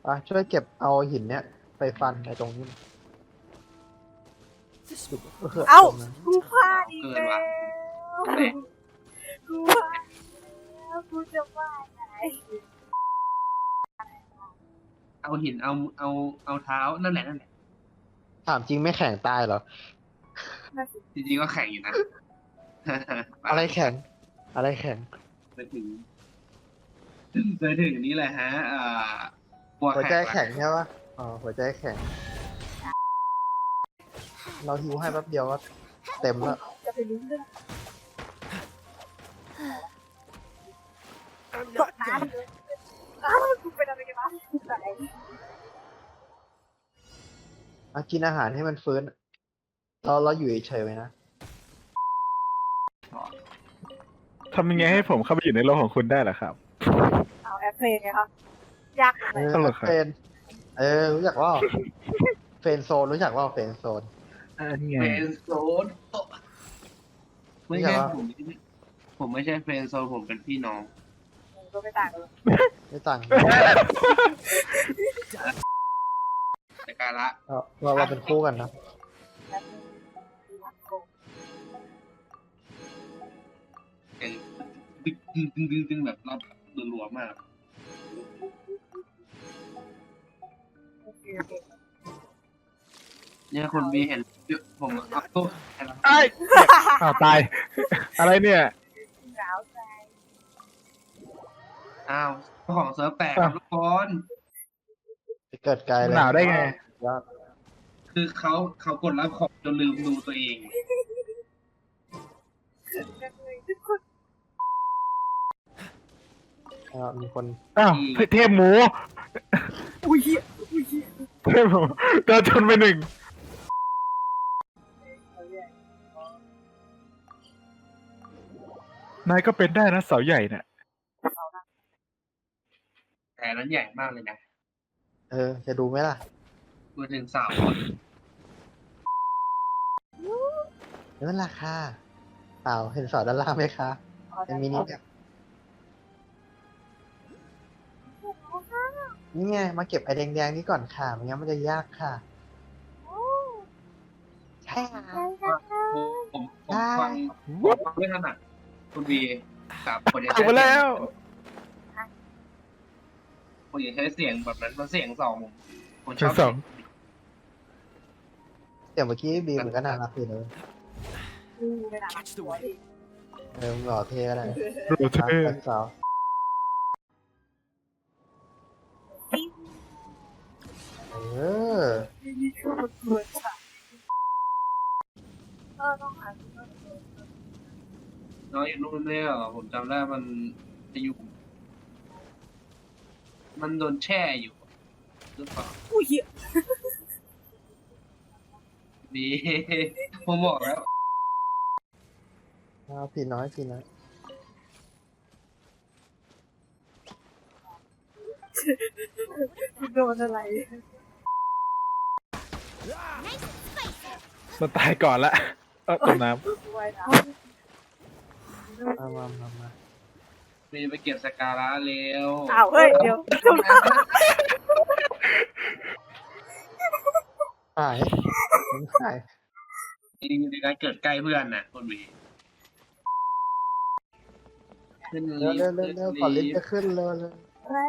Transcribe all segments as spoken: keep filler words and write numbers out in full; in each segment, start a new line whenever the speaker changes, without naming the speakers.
อ่ะช่วยเก็บเอาหินเนี้ยไปฟันในตรงนี้เออ
เอ้า
ตรงนั้น
กูพลาดอีก
เกิน
แล้
ว่ะ
วกูพลาดอีกแล้วกูจะว่าไง
เอาหินเอาเอาเอาเท้านั่นแหละนั่นแหละ
ถามจริงไม่แข็งตายเหรอ
น่าสิ
จริงๆก็แข่งอยู่นะ
อะไรแข็ง อะไรแข็ง
ไปถึงไปถึงนี่แหละฮะอ่าหัว
หัวใจ
แข็ง
แข็งใช่ปะอ๋อหัวใจแข็ง เราหิวให้แป๊บเดียวก็เต็มแล้ว
จะไปรู้เรื่องกดน้ำเลยอ้าวกูเป็นอะไรกันวะกูตาย
อ่ะกินอาหารให้มันฟื้น เราเราอยู่เฉยๆไว้นะ
ทำยังไงให้ผมเข้าไปอยู่ในโลกของคุณได้ล่ะครับ
เอาแอปเพลย์ไงครับยาก
เอ
เลย
อ
ตลกครับ
เฟนเออ รู้จักว่าเฟนโซนรู้จักว่าเฟนโซน
อันนี้ไง
เฟรนด์โซนไม่ใช่
ไม่ใช่
ผมผมไม่ใช่เฟรนด์โซนผมเป็นพี่น้อง
มึงก็ไม่ต่างกันหรอก
ไม่ต่าง
แต่การละ
เราเราเราเป็นคู่กันนะ
แอปเพลย์ดีมากโกง
เป็นดึงดึงดึงดึงดึงแบบรอบรัวๆมาก
โอเคโอเค
เนี่ยคนบีเห็นผมเอาตู้
ไอ้ยอ้าวตาย อะไรเนี่ย
หนาวใจ
อ้าวเจ้าของเซิร์ฟแตกครับทุกคน
ไปเกิดไกลเลย
หนาวได้ไง
ยอด
คือเขาเขากดรับของจนลืมดูตัวเอง
กันเลยทุกคน
อ่ะมีคน
อ้าวเทพหมู
อุ้ยเหี้ยอุ้ยเหี้ย
เทพหมูโดนชนไปหนึ่ง
เอาเรื่อง
นายก็เป็นได้นะเสาใหญ่น่ะ
แต่นั้นใหญ่มากเลยนะ
เออ จะดูไหมล่ะ
พูดถึงสาว
นั่นราคาเปล่าเห็นสอด้านล่างไหมคะ
เอา
เป็
ได้
นมินิแบบนี่ไง มาเก็บไอแดงๆนี้ก่อนค่ะไม่งั้นมันจะยากค่ะ ใช่ค่ะ
ผมผมฟังผมฟังไม่ถนัดคุณบีกับคนจะ
ถูกไปแล้ว
คนจะใช้เสียงแบบนั้นมันเสียงสองผมผมช
เสีย
อง บ
สอง
เสียงเมื่อกี้บีมมันก็น่ารักอยู่เลย
ดูไม่ได้หัวดิ
เออมึงหล่อเท่ก็ได้
โรเทอร์
รักสาวเออ
นี่คือมันเกินค่ะเออต้องหาที่มัน
น้องอยู่นู่นเนี่ยเหรอผมจำได้มันจะอยู่มันโดนแช่อยู่หรือเปล่า
อุ้ยเหี้ย
บีผมบอกแล้ว
เอาพี่น้อยพี่น้อย
โดนอะไร
มันตายก่อนละเออตกน้
ไว้นะ
มามามามา
บีไปเก็บสการะเร็ว
อ้าวเฮ้ยเดี๋ยว
หายมันหาย
จริงๆในการเกิดใกล้เพื่อนน่ะคนบีขึ้น
เร็ว
ลิฟ
เร็ว
ต์
เร็ว
ขึ้น
เร็วก่อนลิ
ลิ
ฟต์
ฟ
จะ
ต์
ขึ้นเร็วเร็ว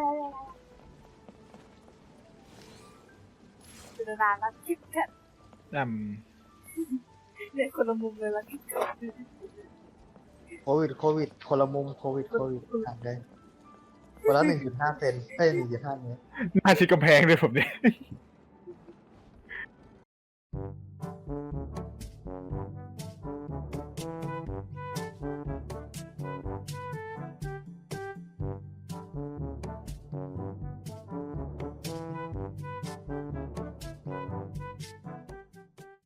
คือนานแล้วคิดแค่
ำอืม
เนี่ยคนละมุมเลยละคิดแค่
โควิดโควิดคนละมุมโควิดโควิดห่างได้คนละหนึ่งจุดห้าเซนเอ้ยหนึ่งจุดห้าเมตร
หน้าชิดกำแพงเลยผมเนี่ย